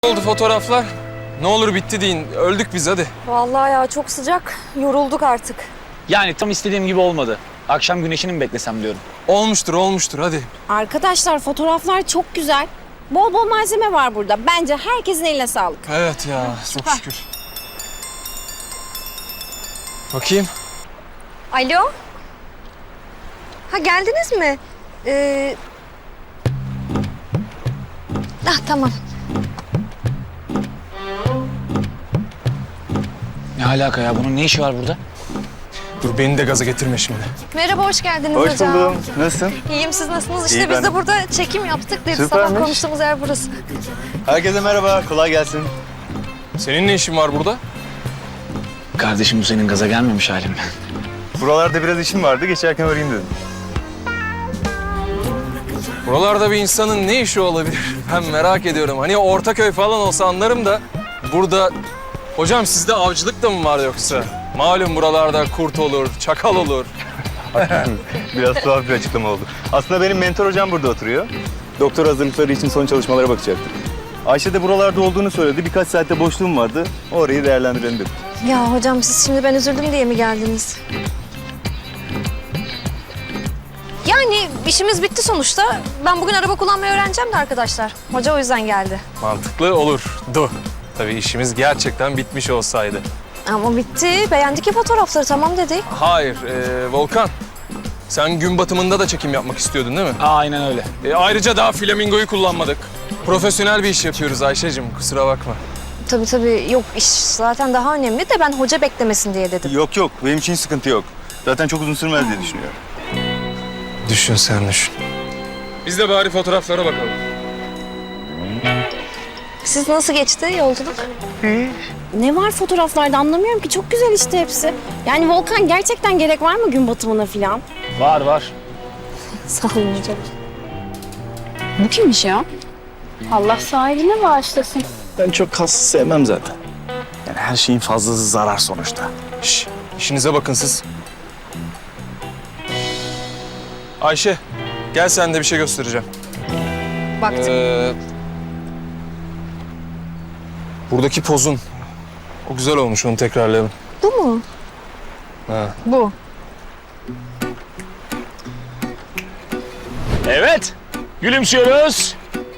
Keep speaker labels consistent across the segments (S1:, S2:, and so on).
S1: Oldu fotoğraflar. Ne olur bitti deyin. Öldük biz hadi.
S2: Vallahi ya çok sıcak. Yorulduk artık.
S3: Yani tam istediğim gibi olmadı. Akşam güneşini mi beklesem diyorum.
S1: Olmuştur hadi.
S4: Arkadaşlar fotoğraflar çok güzel. Bol bol malzeme var burada. Bence herkesin eline sağlık.
S1: Evet ya çok şükür. Bakayım.
S2: Alo? Ha geldiniz mi? Tamam.
S3: Ne alaka ya? Bunun ne işi var burada?
S1: Dur beni de gaza getirme şimdi.
S2: Merhaba, hoş geldiniz
S5: Hoş
S2: hocam.
S5: buldum. Nasılsın?
S2: İyiyim, siz nasılsınız? İşte
S5: İyi,
S2: biz
S5: ben
S2: de
S5: de.
S2: burada çekim yaptık dedi.
S5: Süpermiş.
S2: Sabah konuştuğumuz yer burası.
S5: Herkese merhaba. Kolay gelsin.
S1: Senin ne işin var burada?
S3: Kardeşim bu senin gaza gelmemiş halin mi?
S5: Buralarda biraz işim vardı. Geçerken arayayım dedim.
S1: Buralarda bir insanın ne işi olabilir? Ben merak ediyorum. Hani Ortaköy falan olsa anlarım da burada... Hocam sizde avcılık da mı var yoksa? Malum buralarda kurt olur, çakal olur.
S5: Biraz tuhaf bir açıklama oldu. Aslında benim mentor hocam burada oturuyor. Doktor hazırlıkları için son çalışmalara bakacaktık. Ayşe de buralarda olduğunu söyledi. Birkaç saatte boşluğum vardı. Orayı değerlendirelim dedim.
S2: Ya hocam siz şimdi ben üzüldüm diye mi geldiniz? Yani işimiz bitti sonuçta. Ben bugün araba kullanmayı öğreneceğim de arkadaşlar. Hoca o yüzden geldi.
S1: Mantıklı olurdu. Tabii işimiz gerçekten bitmiş olsaydı.
S2: Ama bitti. Beğendik ya fotoğrafları, tamam dedik.
S1: Hayır, Volkan. Sen gün batımında da çekim yapmak istiyordun değil mi?
S3: Aynen öyle.
S1: Ayrıca daha flamingoyu kullanmadık. Profesyonel bir iş yapıyoruz Ayşe'cim, kusura bakma.
S2: Tabii yok, iş zaten daha önemli de ben hoca beklemesin diye dedim.
S5: Yok. Benim için sıkıntı yok. Zaten çok uzun sürmez diye düşünüyorum.
S1: Düşün sen düşün. Biz de bari fotoğraflara bakalım.
S2: Siz nasıl geçti yolculuk?
S4: Ne var fotoğraflarda anlamıyorum ki. Çok güzel işte hepsi. Yani Volkan gerçekten gerek var mı gün batımına falan?
S3: Var.
S2: Sağ olun hocam.
S4: Bu kimmiş ya? Allah sahibine bağışlasın.
S6: Ben çok kas sevmem zaten. Yani her şeyin fazlası zarar sonuçta.
S1: Şş, işinize bakın siz. Ayşe, gel sen de bir şey göstereceğim.
S2: Baktım.
S1: Buradaki pozun. O güzel olmuş, onu tekrarlayalım.
S2: Bu mu?
S1: Ha.
S2: Bu.
S3: Evet. Gülümsüyoruz.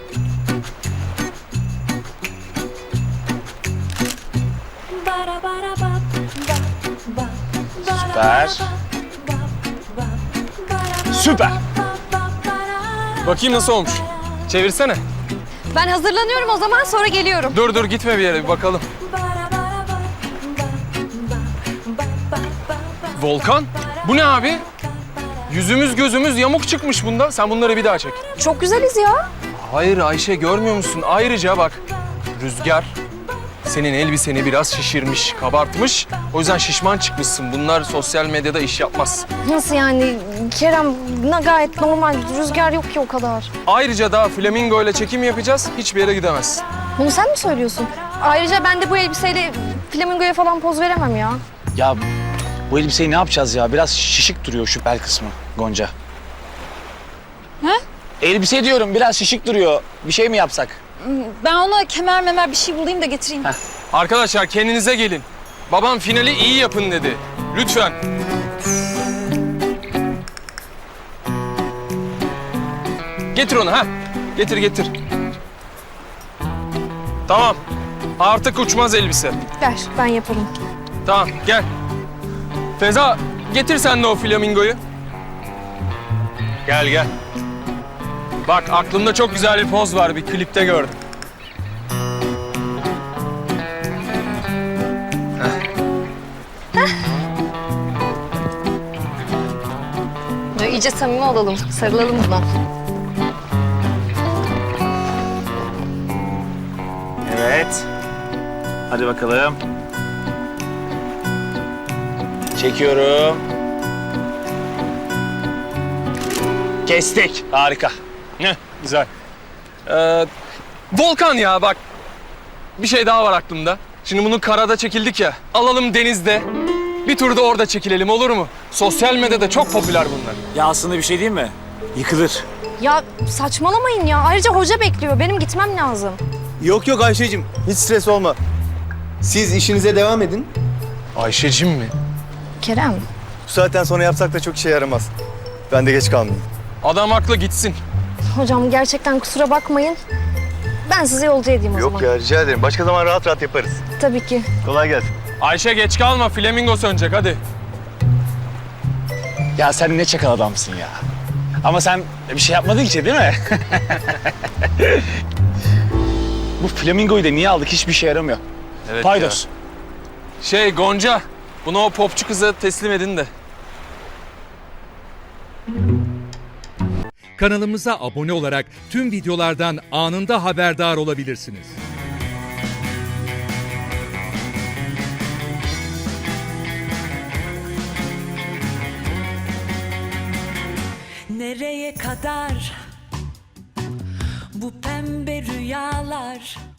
S3: Süper.
S1: Bakayım nasıl olmuş. Çevirsene.
S2: Ben hazırlanıyorum o zaman, sonra geliyorum.
S1: Dur gitme bir yere, bir bakalım. Volkan, bu ne abi? Yüzümüz gözümüz yamuk çıkmış bunda. Sen bunları bir daha çek.
S2: Çok güzeliz ya.
S1: Hayır Ayşe, görmüyor musun? Ayrıca bak, rüzgar senin elbiseni biraz şişirmiş, kabartmış. O yüzden şişman çıkmışsın. Bunlar sosyal medyada iş yapmaz.
S2: Nasıl yani? Kerem gayet normal. Rüzgar yok ki o kadar.
S1: Ayrıca daha flamingo ile çekim yapacağız. Hiçbir yere gidemezsin.
S2: Bunu sen mi söylüyorsun? Ayrıca ben de bu elbiseyle flamingoya falan poz veremem ya.
S3: Ya bu elbiseyi ne yapacağız ya? Biraz şişik duruyor şu bel kısmı Gonca.
S4: He?
S3: Elbise diyorum biraz şişik duruyor. Bir şey mi yapsak?
S4: Ben ona kemer bir şey bulayım da getireyim.
S1: Arkadaşlar kendinize gelin. Babam finali iyi yapın dedi. Lütfen. Getir onu ha. Getir. Tamam. Artık uçmaz elbise.
S2: Ver, ben yaparım.
S1: Tamam gel. Feza getir sen de o flamingoyu. Gel. Bak aklımda çok güzel bir poz var. Bir klipte gördüm.
S2: Ya iyice samimi olalım, sarılalım buna.
S6: Evet. Hadi bakalım.
S3: Çekiyorum. Kestik. Harika.
S1: Heh, güzel. Volkan ya bak. Bir şey daha var aklımda. Şimdi bunu karada çekildik ya. Alalım denizde. Bir tur da orada çekilelim olur mu? Sosyal medyada çok popüler bunlar.
S6: Ya aslında bir şey diyeyim mi? Yıkılır.
S2: Ya saçmalamayın ya. Ayrıca hoca bekliyor. Benim gitmem lazım.
S5: Yok yok Ayşe'cim, hiç stres olma. Siz işinize devam edin.
S1: Ayşe'cim mi?
S2: Kerem.
S5: Bu saatten sonra yapsak da çok işe yaramaz. Ben de geç kalmayayım.
S1: Adam haklı, gitsin.
S2: Hocam gerçekten kusura bakmayın. Ben sizi yolcu edeyim o zaman.
S5: Yok ya, rica ederim. Başka zaman rahat rahat yaparız.
S2: Tabii ki.
S5: Kolay gelsin.
S1: Ayşe geç kalma, flamingo sönecek hadi.
S3: Ya sen ne çakal adamsın ya. Ama sen bir şey yapmadın ki değil mi? Bu flamingoyu da niye aldık? Hiçbir şey yaramıyor.
S1: Evet
S3: Paydos.
S1: ya. Gonca, bunu o popçu kıza teslim edin de.
S7: Kanalımıza abone olarak tüm videolardan anında haberdar olabilirsiniz.
S8: Nereye kadar bu pembe rüyalar?